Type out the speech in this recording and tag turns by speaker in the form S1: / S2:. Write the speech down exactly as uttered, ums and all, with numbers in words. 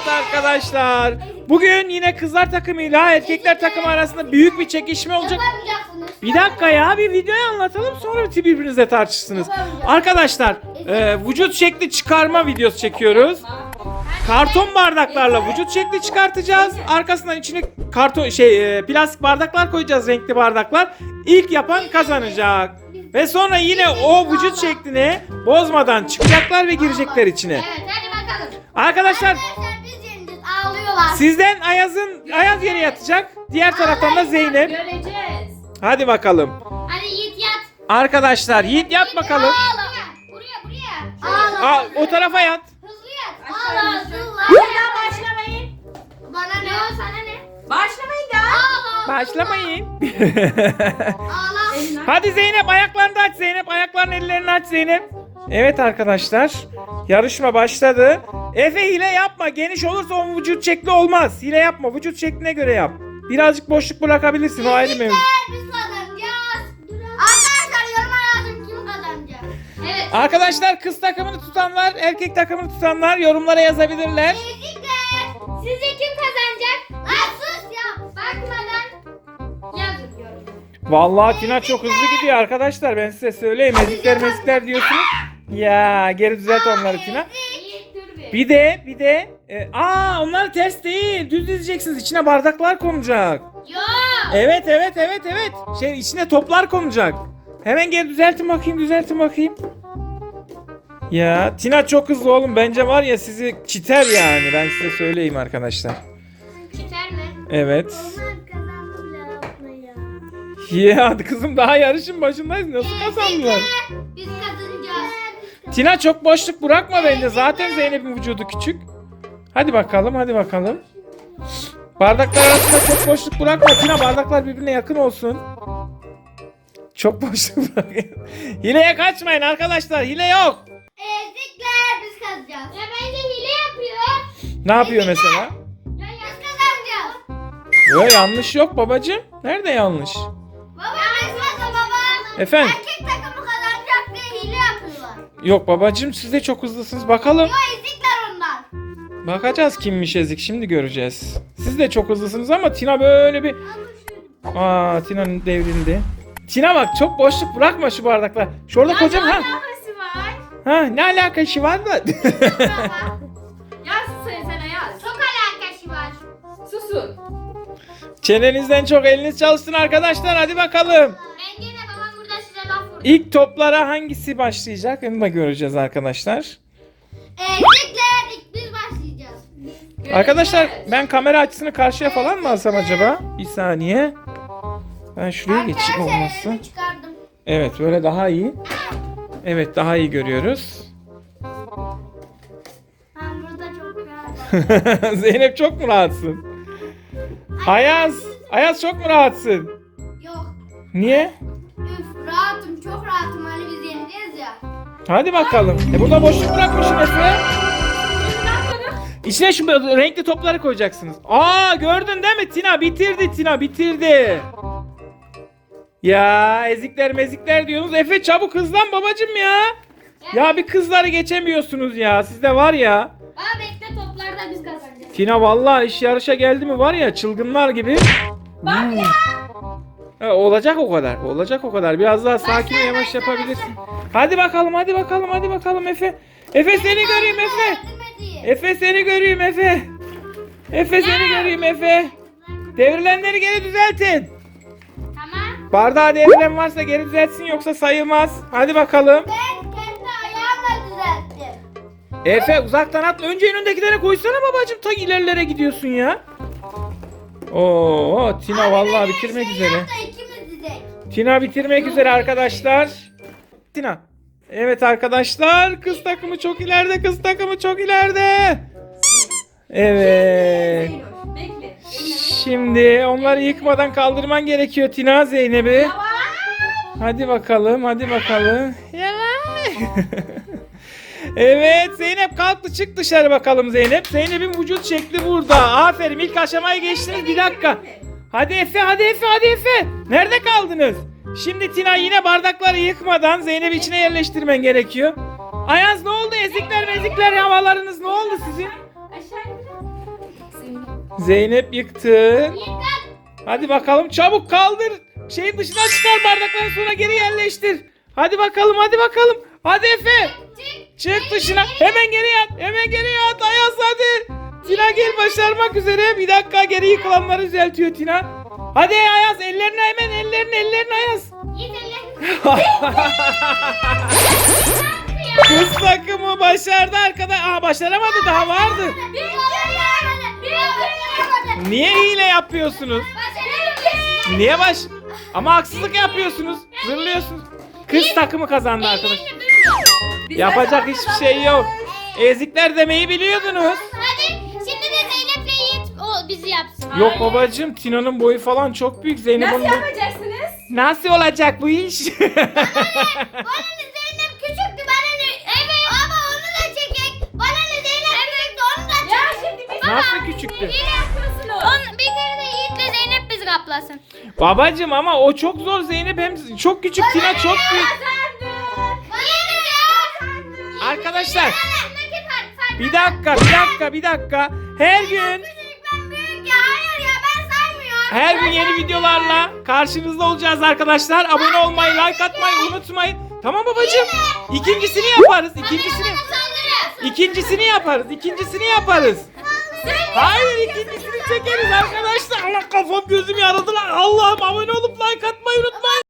S1: Evet arkadaşlar. Bugün yine kızlar takımıyla erkekler takımı arasında büyük bir çekişme olacak. Bir dakika ya, bir videoyu anlatalım sonra birbirinizle tartışırsınız. Arkadaşlar e, vücut şekli çıkarma videosu çekiyoruz. Karton bardaklarla vücut şekli çıkartacağız. Arkasından içine karton şey e, plastik bardaklar koyacağız, renkli bardaklar. İlk yapan kazanacak. Ve sonra yine o vücut şeklini bozmadan çıkacaklar ve girecekler içine.
S2: Evet, hadi bakalım.
S1: Arkadaşlar,
S2: Arkadaşlar biz yeneceğiz, ağlıyorlar.
S1: sizden Ayaz'ın Ayaz yere yatacak. Diğer taraftan da Zeynep.
S3: Göreceğiz.
S1: Hadi bakalım.
S2: Hadi Yiğit yat.
S1: Arkadaşlar Yiğit yat bakalım.
S2: Ağla. Buraya, buraya. Ağla.
S1: Aa, o tarafa yat.
S2: Hızlı yat.
S3: Aşağı
S2: Ağla,
S3: ineceğim.
S2: hızlı.
S3: Hala başlamayın.
S2: Bana ne? O sana ne?
S3: Başlamayın da.
S2: Ağla.
S1: Başlamayın.
S2: Ağla.
S3: Elinden.
S1: Hadi Zeynep, ayaklarını aç Zeynep. Ayaklarını, ellerini aç Zeynep. Evet arkadaşlar, yarışma başladı. Efe, hile yapma. Geniş olursa o vücut şekli olmaz. Hile yapma. Vücut şekline göre yap. Birazcık boşluk bırakabilirsin. O ayrı mevzu.
S2: Biz kazanacağız. Arkadaşlar yoruma yazın kim kazanacak. Evet.
S1: Arkadaşlar, kız takımını tutanlar, erkek takımını tutanlar yorumlara yazabilirler.
S2: Ezikler. Sizce kim kazanacak? Lan sus ya. Bakmadan yazın yoruma.
S1: Vallahi Tina çok hızlı gidiyor arkadaşlar. Ben size söyleyeyim. Ezikler mezikler diyorsunuz. Ya geri düzelt onları Tina.
S2: Yiğit dur bir.
S1: Bir de bir de e, aa onlar ters değil. Düz dizeceksiniz. İçine bardaklar konacak.
S2: Yok.
S1: Evet evet evet evet. Şey, içine toplar konacak. Hemen geri düzeltin bakayım, düzeltin bakayım. Ya Tina çok hızlı oğlum. Bence var ya, sizi çiter yani. Ben size söyleyeyim arkadaşlar.
S2: Çiter mi?
S1: Evet.
S2: Onlar kazandı bile yapmayı.
S1: Ya kızım, daha yarışın başındayız. Nasıl kazandılar?
S2: Biz kazanacağız.
S1: Tina çok boşluk bırakma bence. Zaten Zeynep'in vücudu küçük. Hadi bakalım, hadi bakalım. Bardaklar arasında çok boşluk bırakma. Tina, bardaklar birbirine yakın olsun. Çok boşluk bırak. Hileye kaçmayın arkadaşlar. Hile yok.
S2: Ezikler biz kazanacağız. Ya bence hile yapıyor.
S1: Ne yapıyor mesela?
S2: Ya biz kazanacağız.
S1: Yok, yanlış yok babacığım. Nerede yanlış?
S2: Baba biz kazan baba.
S1: Efendim?
S2: Erkek takımı kazanacak diye hile yapıyorlar.
S1: Yok babacığım, siz de çok hızlısınız. Bakalım.
S2: Yo ezikler onlar.
S1: Bakacağız kimmiş ezik, şimdi göreceğiz. Siz de çok hızlısınız ama Tina böyle bir... Aa, Tina'nın devrildi. Tina bak, çok boşluk bırakma şu bardaklar. Şurada
S3: Ya
S1: kocam
S3: ne
S1: ha.
S3: alakası var?
S1: Ha, ne alakası var da?
S3: Yaz söylesene yaz.
S2: Çok alakası var.
S3: Susun.
S1: Çenenizden çok eliniz çalışsın arkadaşlar, hadi bakalım.
S2: Bence de babam burada size laf vurdu.
S1: İlk toplara hangisi başlayacak onu da göreceğiz arkadaşlar.
S2: Ezikler ilk biz başlayacağız.
S1: Arkadaşlar,
S3: Göreceğiz.
S1: ben kamera açısını karşıya falan mı alsam acaba? Bir saniye. Ben şuraya geçeyim
S2: Arkadaşlar
S1: olmazsa.
S2: elimi çıkardım.
S1: Evet, böyle daha iyi. Evet, daha iyi görüyoruz.
S2: Ben burada çok rahatım.
S1: Zeynep, çok mu rahatsın? Ayaz, Ayaz çok mu rahatsın?
S2: Yok.
S1: Niye?
S2: Üf rahatım çok rahatım hani biz yeneceğiz ya.
S1: Hadi bakalım. E burada boşluk bırakmışsın Efe.
S3: Şimdi ne yapalım?
S1: İçine şu renkli topları koyacaksınız. Aa, gördün değil mi Tina? Bitirdi Tina, bitirdi. Ya ezikler mezikler diyorsunuz. Efe çabuk hızlan babacım ya. Ya bir kızları geçemiyorsunuz ya. Sizde var ya.
S2: Aa bekle toplarda biz kazanacağız.
S1: Tina vallahi iş yarışa geldi mi var ya, çılgınlar gibi.
S3: Bak
S1: Hmm.
S3: ya.
S1: Ha, olacak o kadar. Olacak o kadar. Biraz daha sakin ve yavaş yapabilirsin. Hadi bakalım, hadi bakalım, hadi bakalım Efe. Efe seni göreyim Efe.
S2: Yardım edeyim.
S1: Efe seni göreyim Efe. Efe seni göreyim Efe. Devrilenleri geri düzeltin.
S2: Tamam.
S1: Bardağa devrilen varsa geri düzeltsin, yoksa sayılmaz. Hadi bakalım.
S2: Ben kendi ayağımla düzelttim.
S1: Efe uzaktan atla. Önce önündekilere koysana babacım. Ta ilerilere gidiyorsun ya. Oo, Tina vallahi bitirmek
S2: şey
S1: üzere.
S2: yap da ikimiz dizek.
S1: Tina bitirmek üzere arkadaşlar. Tina. Evet arkadaşlar, kız takımı çok ileride, kız takımı çok ileride. Evet.
S3: Zeynoş, bekle.
S1: Şimdi onları yıkmadan kaldırman gerekiyor Tina, Zeynep'i.
S3: Yavaş.
S1: Hadi bakalım, hadi bakalım. Evet Zeynep, kalktı, çık dışarı bakalım Zeynep. Zeynep'in vücut şekli burada. Aferin, ilk aşamayı geçtiniz, bir dakika. Hadi Efe, hadi Efe, hadi Efe. Nerede kaldınız? Şimdi Tina yine bardakları yıkmadan Zeynep'i içine yerleştirmen gerekiyor. Ayaz, ne oldu? Ezikler mezikler havalarınız ne oldu sizin?
S3: Aşağı in.
S1: Zeynep yıktı.
S2: Yiğit kalk.
S1: Hadi bakalım çabuk kaldır. Şeyin dışına çıkar bardaktan sonra geri yerleştir. Hadi bakalım hadi bakalım. Hadi Efe.
S2: Çık.
S1: Çık dışına. Hemen geri at. Hemen geri at. Ayaz hadi. Tina gel başarmak üzere. Bir dakika geri yıkılanları düzeltiyor Tina. Hadi Ayaz ellerini hemen ellerini ellerini Ayaz.
S2: Yiğit ellerini.
S1: Kız takımı başardı arkada. Aa başaramadı daha vardı.
S2: Bir yapamadı. Bir yapamadı.
S1: Niye hile yapıyorsunuz?
S2: Başaramadı.
S1: Niye baş... Ama haksızlık yapıyorsunuz. Zırlıyorsunuz. Kız takımı kazandı arkadaş.
S3: Biz
S1: Yapacak
S3: de
S1: hiçbir şey yok. Ezikler demeyi biliyordunuz.
S2: Hadi şimdi de Zeynep'le Yiğit o bizi yapsın.
S1: Yok babacığım Tina'nın boyu falan çok büyük. Zeynep
S3: Nasıl
S1: onun boyu-
S3: yapacaksınız?
S1: Nasıl olacak bu iş?
S2: Bana ne Zeynep küçüktü bana ne? Evet. Ama onu da çekek. Bana ne Zeynep küçüktü onu da çekek.
S3: Ya şimdi biz
S1: Nasıl küçüktü?
S3: hile yapıyorsunuz.
S2: On, bir kere de Yiğit'le Zeynep bizi kaplasın.
S1: Babacığım ama o çok zor Zeynep hem çok küçük Tina çok büyük.
S2: Yiğit ya.
S1: Arkadaşlar
S2: Aramdaki fark fark.
S1: bir dakika bir dakika bir dakika. Her gün
S2: Küçük ben büyük ya. Hayır ya ben saymıyorum.
S1: her gün yeni videolarla karşınızda olacağız arkadaşlar. Abone olmayı, like atmayı unutmayın. Tamam babacığım. İkincisini yaparız. İkincisini.
S2: Saldırı.
S1: İkincisini yaparız. İkincisini yaparız. Hayır ikincisini çekeriz arkadaşlar. Allah kafam gözüm yaradı lan. Allah'ım abone olup like atmayı unutmayın.